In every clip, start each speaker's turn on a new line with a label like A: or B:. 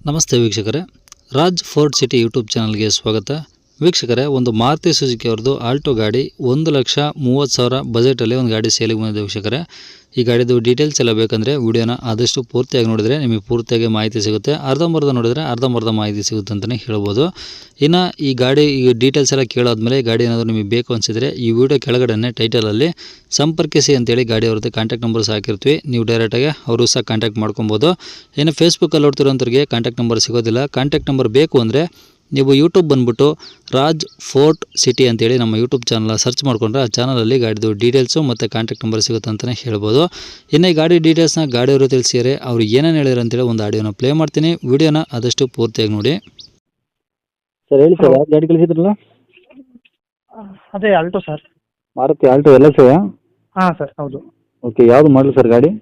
A: ನಮಸ್ತೆ ವೀಕ್ಷಕರೇ, Raj fort city YouTube ಚಾನಲ್ಗೆ ಸ್ವಾಗತ. ವೀಕ್ಷಕರೇ, ಒಂದು ಮಾರುತಿ ಸುಜುಕಿ ಅವ್ರದ್ದು ಆಲ್ಟೋ ಗಾಡಿ 1,30,30,000 ಬಜೆಟಲ್ಲಿ ಒಂದು ಗಾಡಿ ಸೇಲಿಗೆ ಬಂದಿದೆ ವೀಕ್ಷಕರೇ. ಈ ಗಾಡಿದು ಡೀಟೇಲ್ಸ್ ಎಲ್ಲ ಬೇಕಂದರೆ ವಿಡಿಯೋನ ಆದಷ್ಟು ಪೂರ್ತಿಯಾಗಿ ನೋಡಿದರೆ ನಿಮಗೆ ಪೂರ್ತಿಯಾಗಿ ಮಾಹಿತಿ ಸಿಗುತ್ತೆ. ಅರ್ಧಂಬರ್ಧ ನೋಡಿದರೆ ಅರ್ಧಂಬರ್ಧ ಮಾಹಿತಿ ಸಿಗುತ್ತೆ ಅಂತಲೇ ಹೇಳ್ಬೋದು. ಇನ್ನು ಈ ಗಾಡಿ ಡೀಟೇಲ್ಸ್ ಎಲ್ಲ ಕೇಳಾದ್ಮೇಲೆ ಗಾಡಿ ಏನಾದರೂ ನಿಮಗೆ ಬೇಕು ಅನಿಸಿದರೆ ಈ ವಿಡಿಯೋ ಕೆಳಗಡೆ ಟೈಟಲಲ್ಲಿ ಸಂಪರ್ಕಿಸಿ ಅಂತೇಳಿ ಗಾಡಿ ಅವ್ರದ್ದು ಕಾಂಟ್ಯಾಕ್ಟ್ ನಂಬರ್ಸ್ ಹಾಕಿರ್ತೀವಿ. ನೀವು ಡೈರೆಕ್ಟಾಗಿ ಅವರು ಸಹ ಕಾಂಟ್ಯಾಕ್ಟ್ ಮಾಡ್ಕೊಬೋದು. ಇನ್ನು ಫೇಸ್ಬುಕ್ಕಲ್ಲಿ ನೋಡ್ತಿರೋಂಥವ್ರಿಗೆ ಕಾಂಟ್ಯಾಕ್ಟ್ ನಂಬರ್ ಸಿಗೋದಿಲ್ಲ. ಕಾಂಟ್ಯಾಕ್ಟ್ ನಂಬರ್ ಬೇಕು ಅಂದರೆ ನೀವು ಯೂಟ್ಯೂಬ್ ಬಂದುಬಿಟ್ಟು ರಾಜ್ ಫೋರ್ಟ್ ಸಿಟಿ ಅಂತೇಳಿ ನಮ್ಮ ಯೂಟ್ಯೂಬ್ ಚಾನಲ್ ಸರ್ಚ್ ಮಾಡಿಕೊಂಡ್ರೆ ಆ ಚಾನಲಲ್ಲಿ ಗಾಡಿದು ಡೀಟೇಲ್ಸು ಮತ್ತು ಕಾಂಟ್ಯಾಕ್ಟ್ ನಂಬರ್ ಸಿಗುತ್ತೆ ಅಂತಲೇ ಹೇಳ್ಬೋದು. ಇನ್ನು ಈ ಗಾಡಿ ಡೀಟೇಲ್ಸ್ನ ಗಾಡಿಯವರು ತಿಳಿಸಿದರೆ ಅವ್ರು ಏನೇನು ಹೇಳಿದ್ರು ಅಂತೇಳಿ ಒಂದು ಆಡಿಯೋನ ಪ್ಲೇ ಮಾಡ್ತೀನಿ. ವಿಡಿಯೋನ ಆದಷ್ಟು ಪೂರ್ತಿಯಾಗಿ ನೋಡಿ.
B: ಸರ್ ಹೇಳಿ ಸರ್, ಯಾವ ಗಾಡಿ ಕಳಿಸಿದ್ರಲ್ಲ?
C: ಅದೇ ಆಲ್ಟೋ ಸರ್.
B: ಮಾರುತಿ ಆಲ್ಟೋ ಎಲ್ಲ ಸರ್?
C: ಹಾಂ ಸರ್, ಹೌದು.
B: ಓಕೆ, ಯಾವುದು ಮಾಡಲು ಸರ್ ಗಾಡಿ?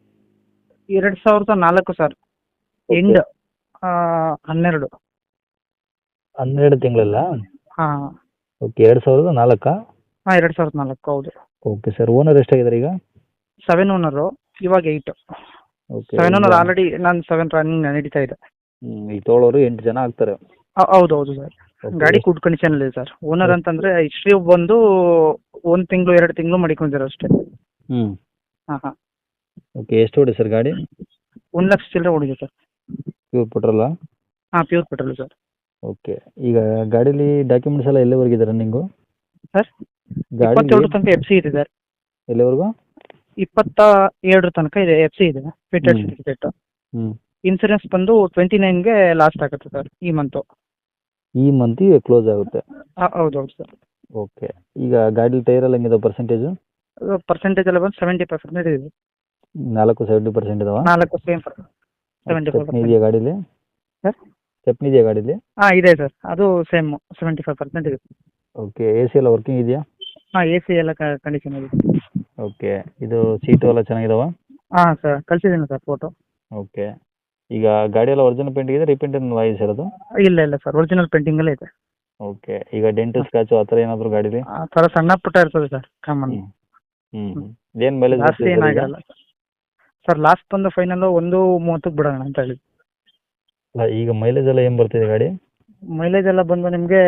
C: 2004 ಸರ್. ಎಂಡ್ 12.
B: 12 ತಿಂಗಳಲ್ಲ?
C: ಹಾಂ
B: ಓಕೆ, 2004?
C: ಹಾಂ, 2004 ಹೌದು.
B: ಓಕೆ ಸರ್, ಓನರ್ ಎಷ್ಟಾಗಿದ್ದಾರೆ ಈಗ?
C: 7 ಓನರು, ಇವಾಗ 8.
B: ಓಕೆ,
C: 7 ಓನರ್ ಆಲ್ರೆಡಿ ನಾನು 7 ರನ್ನಿಂಗ್ ನಡೀತಾ ಇದೆ.
B: ಈಗ ತೊಗೊಳೋರು 8 ಜನ ಆಗ್ತಾರೆ.
C: ಹೌದು ಹೌದು ಸರ್. ಗಾಡಿ ಗುಡ್ ಕಂಡೀಷನ್ ಇದೆ ಸರ್. ಓನರ್ ಅಂತಂದರೆ ಹಿಸ್ಟ್ರಿ ಬಂದು 1 ತಿಂಗಳು 2 ತಿಂಗಳು ಮಡಿಕೊಂಡಿರೋ ಅಷ್ಟೇ. ಹಾಂ ಹಾಂ.
B: ಓಕೆ, ಎಷ್ಟು ಹೊಡಿ ಸರ್ ಗಾಡಿ?
C: 1 ಲಕ್ಷ ಚಿಲ್ಲರೆ ಹೊಡಿದೆ ಸರ್.
B: ಪ್ಯೂರ್ ಪೆಟ್ರೋಲಾ?
C: ಹಾಂ, ಪ್ಯೂರ್ ಪೆಟ್ರೋಲ್ ಸರ್.
B: ಓಕೆ, ಈಗ ಗಾಡೀಲಿ ಡಾಕ್ಯುಮೆಂಟ್ಸ್ ಎಲ್ಲ ಎಲ್ಲಿವರೆಗಿದೆ ರನ್ನಿಂಗು?
C: ಸರ್,
B: ಗಾಡಿ
C: 27 ತನಕ FC ಇದೆ ಸರ್.
B: ಎಲ್ಲಿವರೆಗೂ?
C: 27 ತನಕ ಇದೆ, FC ಇದೆ, ಫಿಟೆಡ್ ಸರ್ಟಿಫಿಕೇಟ್. ಇನ್ಸೂರೆನ್ಸ್ ಬಂದು 29ಗೆ ಲಾಸ್ಟ್ ಆಗುತ್ತೆ ಸರ್, ಈ ಮಂತು.
B: ಈ ಮಂತಿಗೆ ಕ್ಲೋಸ್ ಆಗುತ್ತೆ?
C: ಹೌದು ಹೌದು ಸರ್.
B: ಓಕೆ, ಈಗ ಗಾಡಿ ಟೈರ್ ಎಲ್ಲ ಹೆಂಗಿದೆ ಪರ್ಸೆಂಟೇಜು?
C: ಪರ್ಸೆಂಟೇಜ್ ಎಲ್ಲ ಬಂದು 70% ಇದೆ.
B: 70% ಇದಾವ?
C: 4 ಸೇಮ್ 75%.
B: ಇದೆಯಾ ಗಾಡೀಲಿ?
C: ಸರ್,
B: ಸ್ಟೆಪ್ನಿ ಇದೆಯಾ ಗಾಡೀಲಿ?
C: ಹಾಂ ಇದೆ ಸರ್, ಅದು ಸೇಮ್ 75% ಇದೆ.
B: ಓಕೆ, ಎ ಸಿ ಎಲ್ಲ ವರ್ಕಿಂಗ್ ಇದೆಯಾ?
C: ಹಾಂ, AC ಎಲ್ಲ ಕಂಡೀಷನ್ ಇದೆ.
B: ಓಕೆ, ಇದು ಸೀಟು ಎಲ್ಲ ಚೆನ್ನಾಗಿದಾವ?
C: ಹಾಂ ಸರ್, ಕಳಿಸಿದ್ದೀನಿ ಸರ್ ಫೋಟೋ.
B: ಓಕೆ, ಈಗ ಗಾಡಿ ಎಲ್ಲ ಒರಿಜಿನಲ್ ಪೇಂಟ್ ಇದೆ, ರೀಪೇಂಟ್ ಏನು ವಾಯ್ಸ್ ಇರೋದು?
C: ಇಲ್ಲ ಇಲ್ಲ ಸರ್, ಒರಿಜಿನಲ್ ಪೇಂಟಿಂಗಲ್ಲೇ ಇದೆ.
B: ಓಕೆ, ಈಗ ಡೆಂಟು ಸ್ಕ್ರಾಚು ಆ ಥರ ಏನಾದರೂ ಗಾಡೀಲಿ?
C: ಆ ಥರ ಸಣ್ಣ ಪುಟ್ಟ ಇರ್ತದೆ ಸರ್, ಕಾಮನ್.
B: ಏನು ಮೈಲೇಜ್
C: ಜಾಸ್ತಿ ಏನಾಗಲ್ಲ ಸರ್. ಲಾಸ್ಟ್ ಬಂದು ಫೈನಲ್ 1:30 ಬಿಡೋಣ ಅಂತ ಹೇಳಿ.
B: ಅಲ್ಲ, ಈಗ ಮೈಲೇಜ್ ಎಲ್ಲ ಏನು ಬರ್ತಿದೆ ಗಾಡಿ?
C: ಮೈಲೇಜ್ ಎಲ್ಲ ಬಂದು ನಿಮಗೆ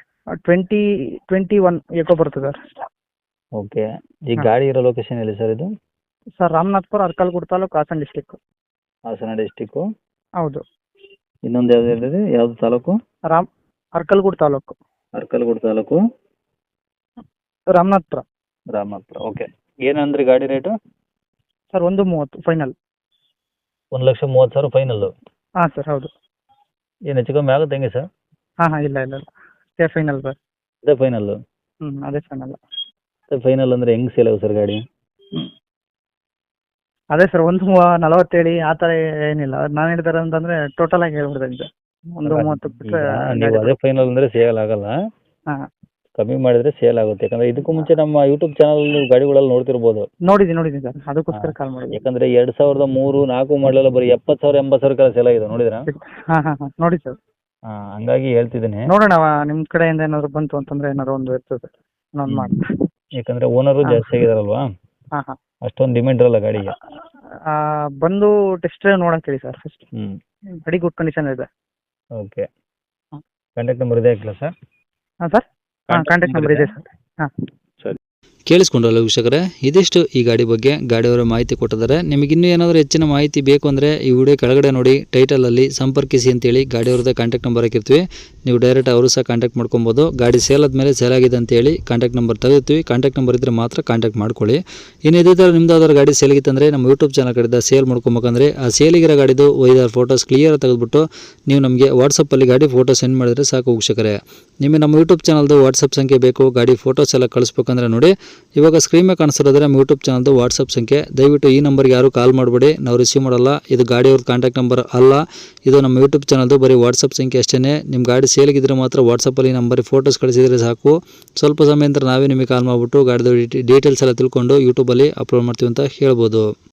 C: 21 ಏಕೋ ಬರ್ತದೆ ಸರ್.
B: ಓಕೆ, ಈ ಗಾಡಿ ಇರೋ ಲೊಕೇಶನ್ ಎಲ್ಲಿ ಸರ್ ಇದು?
C: Sir, Ramanathpura, Arkalgud taluk, Hassan district.
B: Hassan district?
C: ಹೌದು.
B: ಇನ್ನೊಂದು ಯಾವ್ದು ಹೇಳಿದ್ರಿ, ಯಾವುದು ತಾಲೂಕು?
C: ಅರ್ಕಲ್ಗೂಡು ತಾಲೂಕು.
B: ಅರ್ಕಲ್ಗೂಡು ತಾಲೂಕು,
C: ರಾಮನಾಥ್ಪುರ.
B: ರಾಮನಾಥ್ಪುರ. ಓಕೆ, ಏನಂದ್ರಿ ಗಾಡಿ ರೇಟು?
C: Sir, 1:30 final.
B: 1,30,30,000 ಫೈನಲ್ಲು?
C: ಹಾಂ ಸರ್, ಹೌದು.
B: ಏನು ಹೆಚ್ಚು ಕಮ್ಮಿ ಆಗುತ್ತೆ ಹೆಂಗೆ ಸರ್?
C: ಹಾಂ ಹಾಂ, ಇಲ್ಲ ಇಲ್ಲ ಇಲ್ಲ, ಅದೇ ಫೈನಲ್ ಸರ್.
B: ಅದೇ ಫೈನಲ್ಲು?
C: ಅದೇ ಫೈನಲ್.
B: ಅದೇ ಫೈನಲ್ ಅಂದರೆ ಹೆಂಗೆ ಸೇಲ್ ಆಗುತ್ತೆ ಸರ್ ಗಾಡಿ?
C: ಅದೇ ಸರ್, 1:40 ಹೇಳಿ ಆ ಥರ ಏನಿಲ್ಲ. ನಾನು ಹೇಳ್ತಾರೆ ಅಂತಂದರೆ ಟೋಟಲ್ ಆಗಿ ಹೇಳ್ಬಿಡ್ತೇನೆ. 1:30 ಬಿಟ್ಟರೆ
B: ನೀವು ಅದೇ ಫೈನಲ್ ಅಂದರೆ ಸೇಲ್ ಆಗಲ್ಲ.
C: ಹಾಂ,
B: ಕಮ್ಮಿ ಮಾಡಿದ್ರೆ ಸೇಲ್ ಆಗುತ್ತೆ. ಯಾಕಂದ್ರೆ ಇದಕ್ಕೂ ಮುಂಚೆ ನಮ್ಮ ಯೂಟ್ಯೂಬ್ ಚಾನಲ್ ನೀವು ಗಾಡಿಗಳೆಲ್ಲ ನೋಡ್ತಿರ್ಬೋದು.
C: ನೋಡಿದ್ದೀನಿ ಸರ್, ಅದಕ್ಕೋಸ್ಕರ ಕಾಲ್ ಮಾಡಿದ್ದೀನಿ.
B: ಯಾಕಂದ್ರೆ 2003-4 ಮಾಡಲೆಲ್ಲ ಬರೀ 70,000 80,000 ಸೇಲ್ ಆಗಿದೆ, ನೋಡಿದ್ರಾ?
C: ಹಾಂ ಹಾಂ ಹಾಂ, ನೋಡಿ ಸರ್.
B: ಹಂಗಾಗಿ ಹೇಳ್ತಿದ್ದೀನಿ.
C: ನೋಡೋಣ, ನಿಮ್ಮ ಕಡೆಯಿಂದ ಏನಾದ್ರು ಬಂತು ಅಂತಂದ್ರೆ ಏನಾದ್ರು ಒಂದು ಇರ್ತದೆ, ನಾನು ಮಾಡಿ.
B: ಯಾಕಂದ್ರೆ ಓನರು ಜಾಸ್ತಿ ಆಗಿದಾರಲ್ವಾ,
C: ಹಾಂ ಹಾಂ,
B: ಅಷ್ಟೊಂದು ಡಿಮ್ಯಾಂಡ್ ಇರಲ್ಲ ಗಾಡಿಗೆ.
C: ಬಂದು ಟೆಸ್ಟ್ ಡ್ರೈವ್ ನೋಡೋಕೆ ಹೇಳಿ ಸರ್ ಫಸ್ಟ್. ಗಾಡಿ ಗುಡ್ ಕಂಡೀಷನ್ ಇದೆ.
B: ಓಕೆ, ಕಾಂಟ್ಯಾಕ್ಟ್ ನಂಬರ್ ಇದೆ ಹಾಕಿಲ್ಲ ಸರ್?
C: ಹಾಂ ಸರ್, ಹಾಂ, ಕಾಂಟ್ಯಾಕ್ಟ್ ನಂಬರ್ ಇದೆ ಸರ್. ಹಾಂ,
A: ಕೇಳಿಸ್ಕೊಂಡ್ರಲ್ಲ ವೀಕ್ಷಕರೇ, ಇದಿಷ್ಟು ಈ ಗಾಡಿ ಬಗ್ಗೆ ಗಾಡಿಯವರ ಮಾಹಿತಿ ಕೊಟ್ಟಿದ್ದಾರೆ. ನಿಮಗೆ ಇನ್ನೂ ಏನಾದರೂ ಹೆಚ್ಚಿನ ಮಾಹಿತಿ ಬೇಕು ಅಂದರೆ ಈ ವಿಡಿಯೋ ಕೆಳಗಡೆ ನೋಡಿ ಟೈಟಲಲ್ಲಿ ಸಂಪರ್ಕಿಸಿ ಅಂತೇಳಿ ಗಾಡಿಯವ್ರದ್ದು ಕಾಂಟ್ಯಾಕ್ಟ್ ನಂಬರ್ ಹಾಕಿರ್ತೀವಿ. ನೀವು ಡೈರೆಕ್ಟ್ ಅವರು ಸಹ ಕಾಂಟ್ಯಾಕ್ಟ್ ಮಾಡ್ಕೊಬೋದು. ಗಾಡಿ ಸೇಲ್ ಆದಮೇಲೆ ಸೇಲ್ ಆಗಿದೆ ಅಂತೇಳಿ ಕಾಂಟ್ಯಾಕ್ಟ್ ನಂಬರ್ ತೆಗಿರ್ತೀವಿ. ಕಾಂಟ್ಯಾಕ್ಟ್ ನಂಬರ್ ಇದ್ದರೆ ಮಾತ್ರ ಕಾಂಟ್ಯಾಕ್ಟ್ ಮಾಡ್ಕೊಳ್ಳಿ. ಇನ್ನು ಇದೇ ಥರ ನಿಮ್ದು ಯಾವ್ದಾದ್ರು ಗಾಡಿ ಸೇಲ್ಗಿತ್ತಂದರೆ ನಮ್ಮ ಯೂಟ್ಯೂಬ್ ಚಾನಲ್ ಕಡೆಯಿಂದ ಸೇಲ್ ಮಾಡ್ಕೊಬೇಕಂದ್ರೆ ಆ ಸೇಲಿಗಿರೋ ಗಾಡಿದು 5-6 ಫೋಟೋಸ್ ಕ್ಲಿಯರ್ ತೆಗೆದುಬಿಟ್ಟು ನೀವು ನಮಗೆ ವಾಟ್ಸಪ್ಪಲ್ಲಿ ಗಾಡಿ ಫೋಟೋ ಸೆಂಡ್ ಮಾಡಿದರೆ ಸಾಕು ವೀಕ್ಷಕರೇ. ನಿಮಗೆ ನಮ್ಮ ಯೂಟ್ಯೂಬ್ ಚಾನಲ್ದು ವಾಟ್ಸಪ್ ಸಂಖ್ಯೆ ಬೇಕು, ಗಾಡಿ ಫೋಟೋಸ್ ಎಲ್ಲ ಕಳಿಸ್ಬೇಕಂದ್ರೆ ನೋಡಿ ಇವಾಗ ಸ್ಕ್ರೀನ್ ಮೇಲೆ ಕಾಣಿಸ್ತಿರೋದ್ರೆ ನಮ್ಮ ಯೂಟ್ಯೂಬ್ ಚಾನಲ್ದು ವಾಟ್ಸಪ್ ಸಂಖ್ಯೆ. ದಯವಿಟ್ಟು ಈ ನಂಬರ್ಗೆ ಯಾರು ಕಾಲ್ ಮಾಡಬೇಡಿ, ನಾವು ರಿಸೀವ್ ಮಾಡಲ್ಲ. ಇದು ಗಾಡಿಯವ್ರ ಕಾಂಟ್ಯಾಕ್ಟ್ ನಂಬರ್ ಅಲ್ಲ, ಇದು ನಮ್ಮ ಯೂಟ್ಯೂಬ್ ಚಾನಲ್ದು ಬರೀ ವಾಟ್ಸಪ್ ಸಂಖ್ಯೆ ಅಷ್ಟೇ. ನಿಮ್ಮ ಗಾಡಿ ಸೇಲಿಗಿದ್ರೆ ಮಾತ್ರ ವಾಟ್ಸಪ್ಪಲ್ಲಿ ನಂಬರಿಗೆ ಫೋಟೋಸ್ ಕಳಿಸಿದರೆ ಸಾಕು. ಸ್ವಲ್ಪ ಸಮಯ ನಂತರ ನಾವೇ ನಿಮಗೆ ಕಾಲ್ ಮಾಡಿಬಿಟ್ಟು ಗಾಡಿದು ಡೀಟೇಲ್ಸ್ ಎಲ್ಲ ತಿಳ್ಕೊಂಡು ಯೂಟ್ಯೂಬಲ್ಲಿ ಅಪ್ಲೋಡ್ ಮಾಡ್ತೀವಿ ಅಂತ ಹೇಳ್ಬೋದು.